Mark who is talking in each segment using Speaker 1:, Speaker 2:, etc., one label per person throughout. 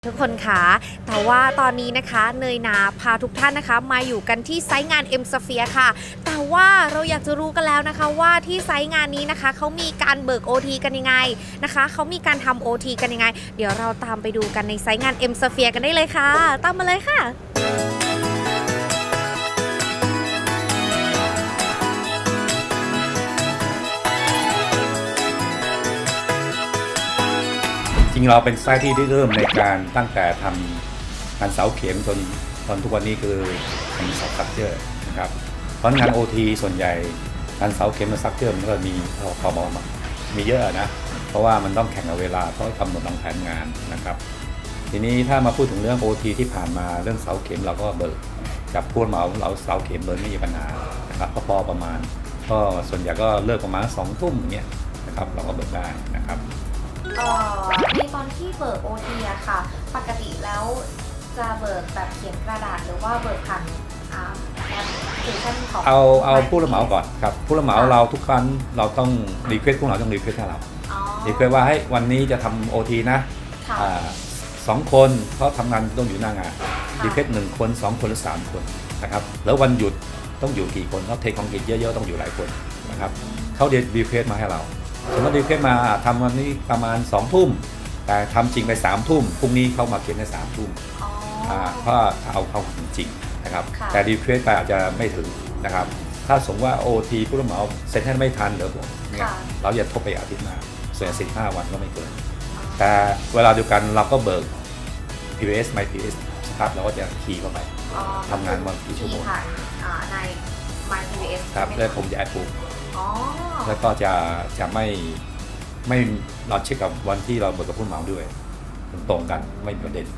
Speaker 1: ทุกคนคะแต่ว่าตอนนี้นะคะเนยนาพาทุกท่านนะคะมาอยู่กันที่ไซต์งาน M Sphere ค่ะแต่ว่าเราอยากจะรู้กันแล้วนะคะว่าที่ไซต์งานนี้นะคะเขามีการเบิก OT กันยังไงนะคะเขามีการทำ OT กันยังไงเดี๋ยวเราตามไปดูกันในไซต์งาน M Sphere กันได้เลยค่ะตามมาเลยค่ะ
Speaker 2: จริงเราเป็นไซต์ที่ได้เริ่มในการตั้งแต่ทำงานเสาเข็มจนทุกวันนี้คือทำเสาซักเจอร์นะครับเพราะงาน OT ส่วนใหญ่งานเสาเข็มกับซักเจอร์มันก็มีพอมีเยอะนะเพราะว่ามันต้องแข่งกับเวลาเพราะกำหนดวางแผนงานนะครับทีนี้ถ้ามาพูดถึงเรื่อง OT ที่ผ่านมาเรื่องเสาเข็มเราก็เบิกกับผู้เหมาเราเสาเข็มเบิกไม่มีปัญหานะครับก็พอประมาณก็ส่วนใหญ่ก็เลิกประมาณ2 ทุ่มอย่างเงี้ยนะครับเราก็เบิกได้นะครับ
Speaker 1: ในตอนที่เบิก OT อะค่ะปกติแล้วจะเบิกแบบเขียนกระดาษหรือว่าเบิกผ่านแอปพลิเคชันของ
Speaker 2: เอาผู้รับเหมาก่อนครับผู้รับเหมาเราทุกครั้งเราต้องรีเควสผู้รับเหมาต้องรีเควสให้เรารีเควสว่าให้วันนี้จะทำ OT นะ2 คนเพราะทำงานต้องอยู่หน้างานรีเควส1 คน2 คนหรือ3 คนนะครับแล้ววันหยุดต้องอยู่กี่คนเขาเทคของกิจเยอะๆต้องอยู่หลายคนนะครับเขาเดี๋ยวรีเควสมาให้เราสมมติรีเควสมาทำวันนี้ประมาณ2 ทุ่มแต่ทำจริงไป3 ทุ่มพรุ่งนี้เข้ามาเขียนใน3 ทุ่มเพราะเอาจริงนะครับแต่รีเควสไปอาจจะไม่ถึงนะครับถ้าสมมติว่า OT ผู้รับเหมาเซ็นให้ไม่ทันเดี๋ยวเนี่ยเราจะทบไปอาทิตย์หน้าส่วน15 วันก็ไม่เกินแต่เวลาเดียวกันเราก็เบิก PVS My PVS ครับเราก็จะคีย์เข้าไปทำงานวันกี่ชั่วโมง
Speaker 1: ใน My PVS
Speaker 2: ครับแล้วผมจะแอดปุ๊บแล้วก็จะไม่เราเช็คกับวันที่เราเบิกกับผู้เหมาด้วยตรงกันไม่มีประเด็น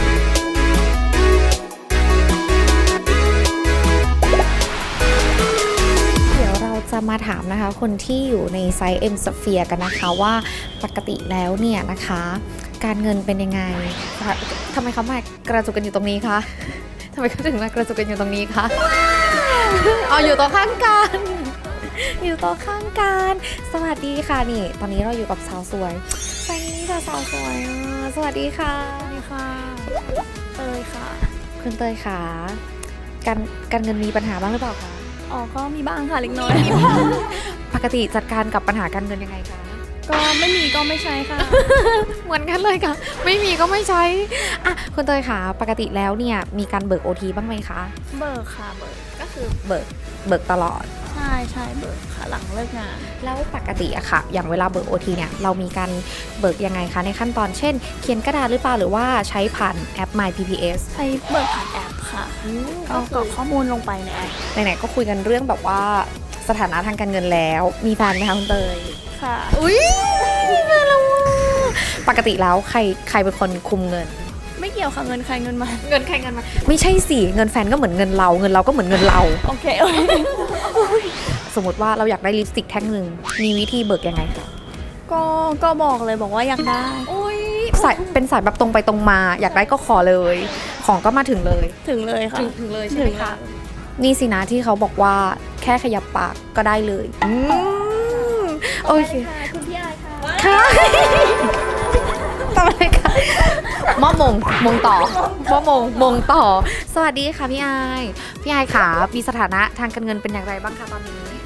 Speaker 1: เดี๋ยวเราจะมาถามนะคะคนที่อยู่ในไซต์ M Sphere กันนะคะว่าปกติแล้วเนี่ยนะคะการเงินเป็นยังไงทำไมเขามากระจุกกันอยู่ตรงนี้คะทำไมเขาถึงมากระจุกกันอยู่ตรงนี้คะเอาอยู่ตรงข้างกันอยู่โต๊ะข้างกันสวัสดีค่ะนี่ตอนนี้เราอยู่กับสาวสวยไซนี้จะสาวสวยสวัสดีค่ะ
Speaker 3: สวัสดีค่ะเตยค่ะ
Speaker 1: คุณเตยค่ะการเงินมีปัญหาบ้างหรือเปล่าคะ
Speaker 3: อ๋อก็มีบ้างค่ะเล็กน้อย
Speaker 1: ปกติจัดการกับปัญหาการเงินยังไงคะ
Speaker 3: ก็ไม่มีก็ไม่ใช้ค่ะ
Speaker 1: เหมือนกันเลยค่ะไม่มีก็ไม่ใช้อ่ะคุณเตยค่ะปกติแล้วเนี่ยมีการเบิก OT บ้างไหมคะ
Speaker 3: เบิกค่ะเบิกก็คือ
Speaker 1: เบิกตลอด
Speaker 3: ใช่เบิกค่ะหลังเลิกงาน
Speaker 1: แล้วปกติอะค่ะอย่างเวลาเบิก OT เนี่ยเรามีการเบิกยังไงคะในขั้นตอนเช่นเขียนกระดาษหรือเปล่าหรือว่าใช้ผ่านแอป My PPS
Speaker 3: ใช้เบิกผ่านแอปค่ะก็กรอกข้อมูลลงไปในแอป
Speaker 1: ไหนๆก็คุยกันเรื่องแบบว่าสถานะทางการเงินแล้วมีแฟนไหมคะคุณเตย
Speaker 3: ค่ะ
Speaker 1: อุ้ยมีแฟนแล้วปกติแล้วใครเป็นคนคุมเงิน
Speaker 3: ไม่เกี่ยวค่ะเงินใครเงินมัน
Speaker 1: เงินใครเงินมันไม่ใช่สิเงินแฟนก็เหมือนเงินเราก็เหมือนเงินเรา
Speaker 3: โอเค
Speaker 1: สมมติว่าเราอยากได้ลิปสติกแท่งหนึ่งมีวิธีเบิกยังไงคะ
Speaker 3: ก็บอกเลยบอกว่าอยากได้
Speaker 1: เป็นสายแบบตรงไปตรงมาอยากได้ก็ขอเลยของก็มาถึงเลย
Speaker 3: ค่ะ
Speaker 1: ถึงเลยใช่ไหมคะนี่สินะที่เขาบอกว่าแค่ขยับปากก็ได้เลยโอเค
Speaker 3: คุณพี่อายค่ะ
Speaker 1: ค่ะทำอะไรคะมงต่อมงต่อสวัสดีค่ะพี่อายค่ะมีสถานะทางการเงินเป็นอย่างไรบ้างคะตอน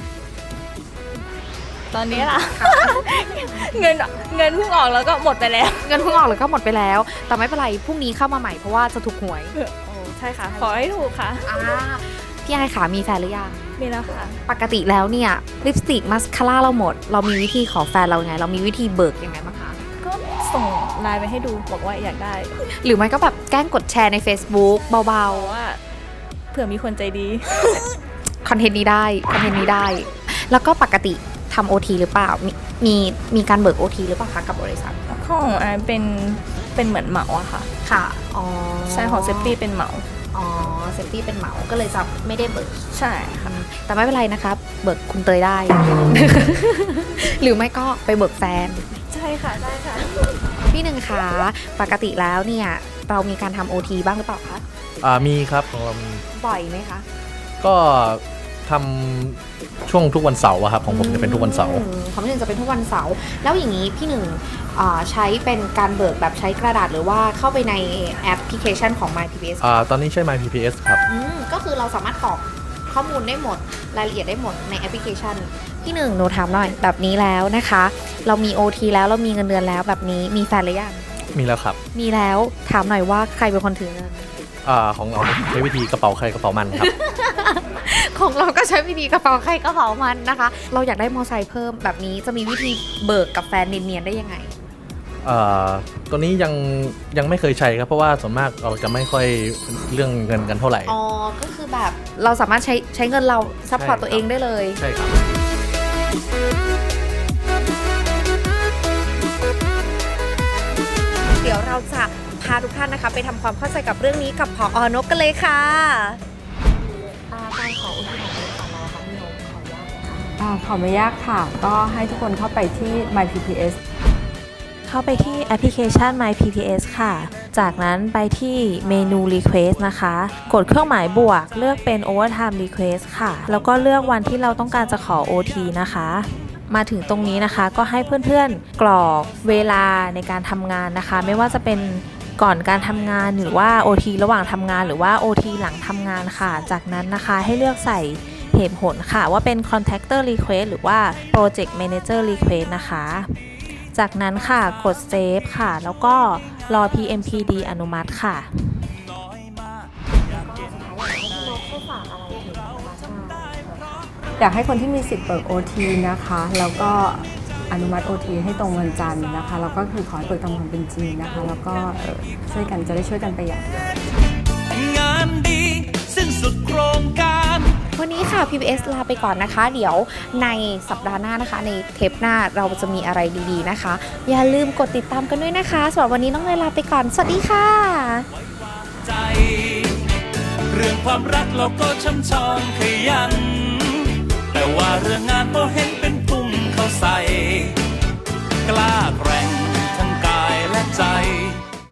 Speaker 1: นี้
Speaker 3: ล่ะเงินเพิ่งออกแล้วก็หมดไปแล้ว
Speaker 1: แต่ไม่เป็นไรพรุ่งนี้เข้ามาใหม่เพราะว่าจะถูกหวย
Speaker 3: ใช่ค่ะขอให้ถูกค่ะ
Speaker 1: พี่อายค่ะมีแฟนหรือยัง
Speaker 3: มีแล้วค่ะ
Speaker 1: ปกติแล้วเนี่ยลิปสติกมาสคาร่าเราหมดเรามีวิธีขอแฟนเราไงเรามีวิธีเบิกยังไงบ้างคะ
Speaker 3: ก็ส่งไลน์ไปให้ดูบอกว่าอยากได้
Speaker 1: หรือไม่ก็แบบแกล้งกดแชร์ใน Facebook เบา
Speaker 3: ๆว่าเผื่อมีคนใจดี
Speaker 1: คอนเทนต์นี้ได้แล้วก็ปกติทำ OT หรือเปล่ามีการเบิก OT หรือเปล่าคะกับบริษัท
Speaker 3: ของเป็นเหมือนเหมาอะค่ะ
Speaker 1: ค่ะอ๋อ
Speaker 3: ใช่ของเซฟตี้เป็นเหมา
Speaker 1: เซฟตี้เป็นเหมาก็เลยจะไม่ได้เบิก
Speaker 3: ใช่ค่ะ
Speaker 1: แต่ไม่เป็นไรนะคะเบิกคุณเตยได้ หรือไม่ก็ไปเบิกแฟน
Speaker 3: ใช่ค่ะได้ค่ะ
Speaker 1: พี่หนึ่งคะปกติแล้วเนี่ยเรามีการทำ OT บ้างหรือเปล่าคะ
Speaker 4: มีครับของเรามี
Speaker 1: บ่อยไหมคะ
Speaker 4: ก็ทำช่วงทุกวันเสาร์ครับของผมจะเป็นทุกวันเสาร์
Speaker 1: ของพี่หนึ่งจะเป็นทุกวันเสาร์แล้วอย่างนี้พี่หนึ่งใช้เป็นการเบิกแบบใช้กระดาษหรือว่าเข้าไปในแอปพลิเคชันของ MyPPS
Speaker 4: ตอนนี้ใช้ MyPPS ครับ
Speaker 1: ก็คือเราสามารถกรอกข้อมูลได้หมดรายละเอียดได้หมดในแอปพลิเคชันพี่หนึ่งหนูถามหน่อยแบบนี้แล้วนะคะเรามี OT แล้วเรามีเงินเดือนแล้วแบบนี้มีแฟนหรือยัง
Speaker 4: มีแล้วครับ
Speaker 1: มีแล้วถามหน่อยว่าใครเป็นคนถือเงิน
Speaker 4: ของเราใช้วิธีกระเป๋าใครกระเป๋ามันครับ
Speaker 1: ของเราก็ใช้วิธีกระเป๋าใครกระเป๋ามันนะคะเราอยากได้มอไซค์เพิ่มแบบนี้จะมีวิธีเบิกกับแฟนเนียนๆได้ยังไง
Speaker 4: ตัวนี้ยังไม่เคยใช้ครับเพราะว่าส่วนมากเราจะไม่ค่อยเรื่องเงินกันเท่าไหร่
Speaker 1: ก็คือแบบเราสามารถใช้เงินเราซัพพอร์ตตัวเองได้เลย
Speaker 4: ใช่ครับ
Speaker 1: เดี๋ยวเราจะพาทุกท่านนะคะไปทำความเข้าใจกับเรื่องนี้กับผอนกกันเลยค่ะการขออุทิศของเราค่ะพี่นก
Speaker 5: ขอไม่ยากค่ะก็ให้ทุกคนเข้าไปที่ MyPPS
Speaker 6: เข้าไปที่แอปพลิเคชัน MyPPS ค่ะจากนั้นไปที่เมนู Request นะคะกดเครื่องหมายบวกเลือกเป็น Overtime Request ค่ะแล้วก็เลือกวันที่เราต้องการจะขอ OT นะคะมาถึงตรงนี้นะคะก็ให้เพื่อนๆกรอกเวลาในการทำงานนะคะไม่ว่าจะเป็นก่อนการทำงานหรือว่า OT ระหว่างทำงานหรือว่า OT หลังทำงานค่ะจากนั้นนะคะให้เลือกใส่เหตุผลค่ะว่าเป็น Contractor Request หรือว่า Project Manager Request นะคะจากนั้นค่ะกด Save ค่ะแล้วก็รอ PMPD อนุมัติค่ะ
Speaker 5: อยากให้คนที่มีสิทธิ์เบิก OT นะคะแล้วก็อนุมัติ OT ให้ตรงวันจันทร์นะคะแล้วก็คือขอให้เปิดตามความเป็นจริงนะคะแล้วก็ช่วยกันจะได้ช่วยกันประหยัด
Speaker 7: งานดีสิ้นสุดโครงการ
Speaker 1: วันนี้ค่ะ PPS ลาไปก่อนนะคะเดี๋ยวในสัปดาห์หน้านะคะในเทปหน้าเราจะมีอะไรดีๆนะคะอย่าลืมกดติดตามกันด้วยนะคะสำหรับวันนี้น้องเนยลาไปก่อนสวัสดีค่ะ
Speaker 7: เรื่องความรักเราก็ช่ำชองขยันแต่ว่าเรื่องงานก็